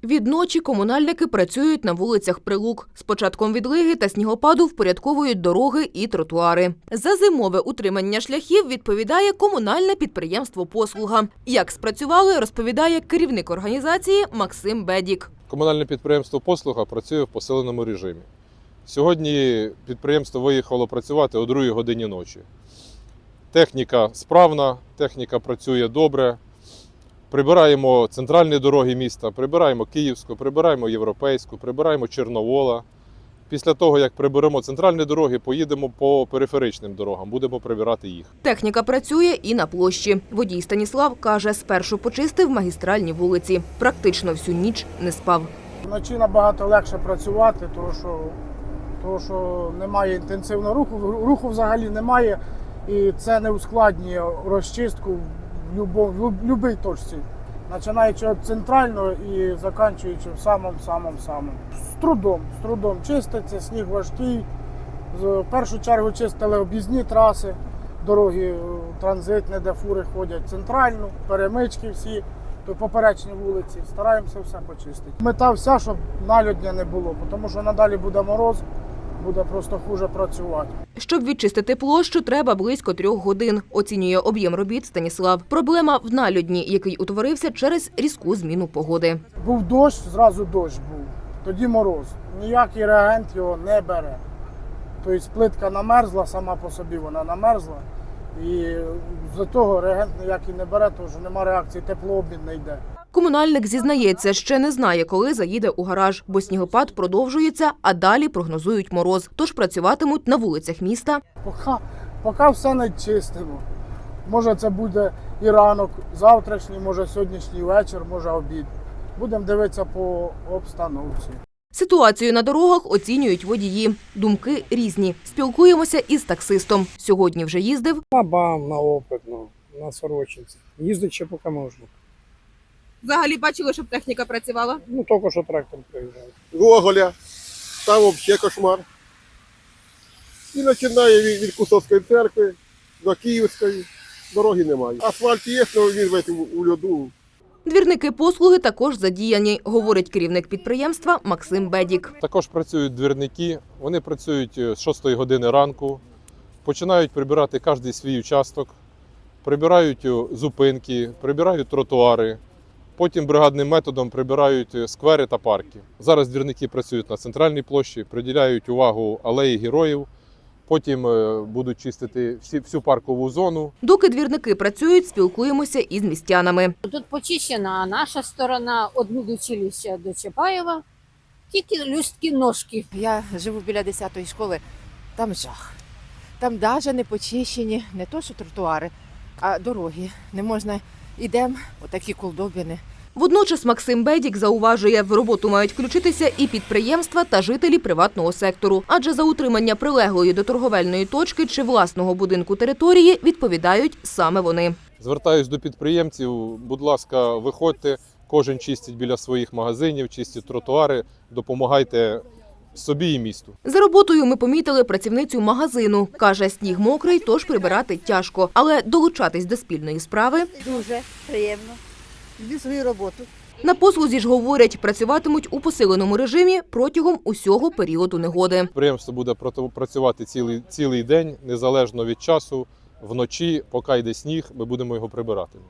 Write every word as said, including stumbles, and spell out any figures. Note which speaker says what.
Speaker 1: Відночі комунальники працюють на вулицях Прилук. З початком відлиги та снігопаду впорядковують дороги і тротуари. За зимове утримання шляхів відповідає комунальне підприємство «Послуга». Як спрацювали, розповідає керівник організації Максим Бедік.
Speaker 2: Комунальне підприємство «Послуга» працює в посиленому режимі. Сьогодні підприємство виїхало працювати о другій годині ночі. Техніка справна, техніка працює добре. Прибираємо центральні дороги міста, прибираємо Київську, прибираємо Європейську, прибираємо Чорновола. Після того, як приберемо центральні дороги, поїдемо по периферичним дорогам, будемо прибирати їх.
Speaker 1: Техніка працює і на площі. Водій Станіслав каже, спершу почистив магістральні вулиці. Практично всю ніч не спав.
Speaker 3: Вночі набагато легше працювати, тому що, тому що немає інтенсивного руху, руху взагалі немає. І це не ускладнює розчистку в будь-якій точці, починаючи від центрального і закінчуючи в самому-самому-самому. З трудом, з трудом чиститься, сніг важкий. В першу чергу чистили об'їзні траси, дороги транзитні, де фури ходять, центральну, перемички всі, то поперечні вулиці. Стараємося все почистити. Мета вся, щоб налюдня не було, тому що надалі буде мороз, буде просто хуже працювати.
Speaker 1: Щоб відчистити площу, треба близько трьох годин, оцінює об'єм робіт Станіслав. Проблема в налюдні, який утворився через різку зміну погоди.
Speaker 3: Був дощ, зразу дощ був, тоді мороз. Ніякий реагент його не бере. Тобто плитка намерзла, сама по собі вона намерзла. І з-за того реагент ніякий не бере, тому що немає реакції, теплообмін не йде. Комунальник зізнається, ще не знає, коли заїде у гараж, бо снігопад продовжується, а далі прогнозують мороз. Тож працюватимуть на вулицях міста. Поки, поки все не чистимо. Може це буде і ранок завтрашній, може сьогоднішній вечір, може обід. Будемо дивитися по обстановці.
Speaker 1: Ситуацію на дорогах оцінюють водії. Думки різні. Спілкуємося із таксистом. Сьогодні вже їздив.
Speaker 4: На БАМ, на Опитну, на Сорочинці. Їздить ще поки можна.
Speaker 5: Взагалі бачили, щоб техніка працювала?
Speaker 4: Ну, тільки що трактор приїжджає.
Speaker 6: Гоголя, там взагалі кошмар. І починає від, від Кусовської церкви до Київської. Дороги немає. Асфальт є, але він весь у, у льоду.
Speaker 1: Двірники «Послуги» також задіяні, говорить керівник підприємства Максим Бедік.
Speaker 2: Також працюють двірники, вони працюють з шостої години ранку, починають прибирати кожен свій участок, прибирають зупинки, прибирають тротуари, потім бригадним методом прибирають сквери та парки. Зараз двірники працюють на центральній площі, приділяють увагу алеї героїв, потім будуть чистити всі, всю паркову зону.
Speaker 1: Доки двірники працюють, спілкуємося із містянами.
Speaker 7: Тут почищена наша сторона від училища до Чапаєва, тільки люсткі ножки.
Speaker 8: Я живу біля десятої школи, там жах. Там навіть не почищені, не то що тротуари, а дороги. Не можна, йдемо, отакі колдобини.
Speaker 1: Водночас Максим Бедік зауважує, в роботу мають включитися і підприємства та жителі приватного сектору. Адже за утримання прилеглої до торговельної точки чи власного будинку території відповідають саме вони.
Speaker 2: Звертаюсь до підприємців, будь ласка, виходьте, кожен чистить біля своїх магазинів, чистить тротуари, допомагайте собі і місту.
Speaker 1: За роботою ми помітили працівницю магазину. Каже, сніг мокрий, тож прибирати тяжко. Але долучатись до спільної справи
Speaker 9: дуже приємно. Люблю свою роботу.
Speaker 1: на «Послузі» ж говорять, працюватимуть у посиленому режимі протягом усього періоду негоди.
Speaker 2: Підприємство буде працювати цілий, цілий день, незалежно від часу, вночі, поки йде сніг, ми будемо його прибирати.